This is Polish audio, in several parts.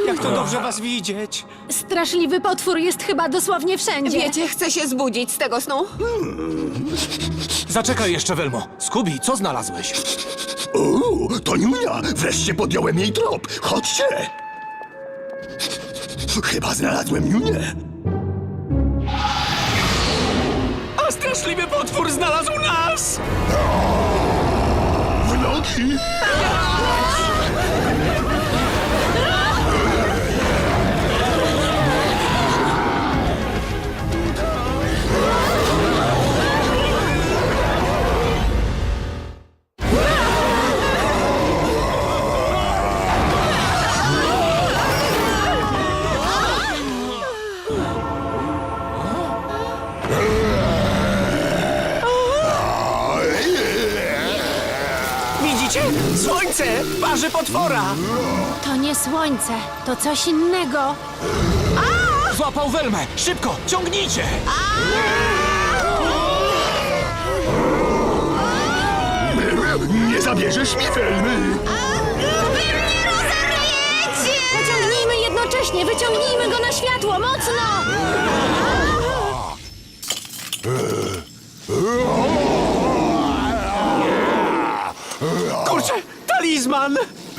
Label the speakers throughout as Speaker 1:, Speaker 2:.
Speaker 1: Jak to dobrze was widzieć.
Speaker 2: Straszliwy potwór jest chyba dosłownie wszędzie.
Speaker 3: Wiecie, chcę się zbudzić z tego snu.
Speaker 1: Zaczekaj jeszcze, Welmo. Scooby, co znalazłeś?
Speaker 4: To Niunia! Wreszcie podjąłem jej trop! Chodźcie! Chyba znalazłem Niunię.
Speaker 1: A straszliwy potwór znalazł nas!
Speaker 4: W nogi!
Speaker 1: Widzicie? Słońce! Parzy potwora!
Speaker 2: To nie słońce, to coś innego.
Speaker 1: Złapał Welmę! Szybko, ciągnijcie!
Speaker 4: Nie zabierzesz mi Welmy!
Speaker 2: Pociągnijmy jednocześnie, wyciągnijmy go na światło, mocno!
Speaker 1: Kurczę, talizman!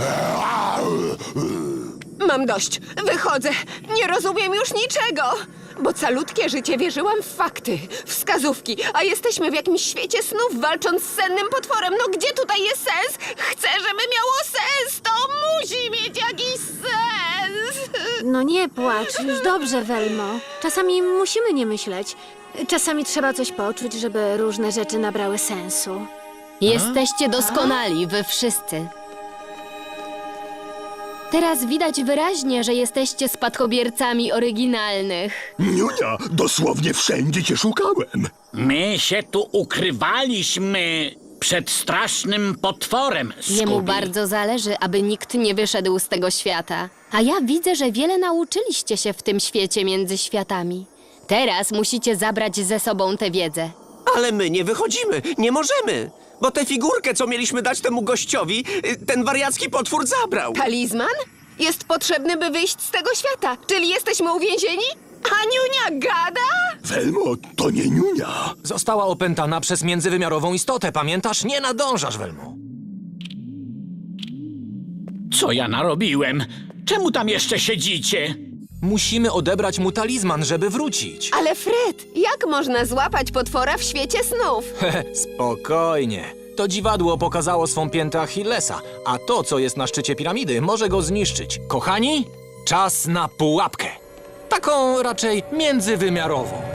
Speaker 3: Mam dość. Wychodzę. Nie rozumiem już niczego. Bo calutkie życie wierzyłam w fakty, wskazówki, a jesteśmy w jakimś świecie snów, walcząc z sennym potworem. No gdzie tutaj jest sens? Chcę, żeby miało sens! To musi mieć jakiś sens!
Speaker 2: No nie płacz, już dobrze, Welmo. Czasami musimy nie myśleć. Czasami trzeba coś poczuć, żeby różne rzeczy nabrały sensu.
Speaker 5: Jesteście doskonali, wy wszyscy. Teraz widać wyraźnie, że jesteście spadkobiercami oryginalnych.
Speaker 4: Niunia, dosłownie wszędzie cię szukałem.
Speaker 6: My się tu ukrywaliśmy przed strasznym potworem,
Speaker 5: Jemu
Speaker 6: Scooby.
Speaker 5: bardzo zależy, aby nikt nie wyszedł z tego świata. A ja widzę, że wiele nauczyliście się w tym świecie między światami. Teraz musicie zabrać ze sobą tę wiedzę.
Speaker 7: Ale my nie wychodzimy, nie możemy. Bo tę figurkę, co mieliśmy dać temu gościowi, ten wariacki potwór zabrał.
Speaker 3: Talizman? Jest potrzebny, by wyjść z tego świata. Czyli jesteśmy uwięzieni? A Niunia gada?
Speaker 4: Welmo, to nie Niunia.
Speaker 1: Została opętana przez międzywymiarową istotę, pamiętasz? Nie nadążasz, Welmo.
Speaker 6: Co ja narobiłem? Czemu tam jeszcze siedzicie?
Speaker 1: Musimy odebrać mu talizman, żeby wrócić.
Speaker 3: Ale Fred, jak można złapać potwora w świecie snów?
Speaker 1: Spokojnie. To dziwadło pokazało swą piętę Achillesa, a to, co jest na szczycie piramidy, może go zniszczyć. Kochani, czas na pułapkę. Taką raczej międzywymiarową.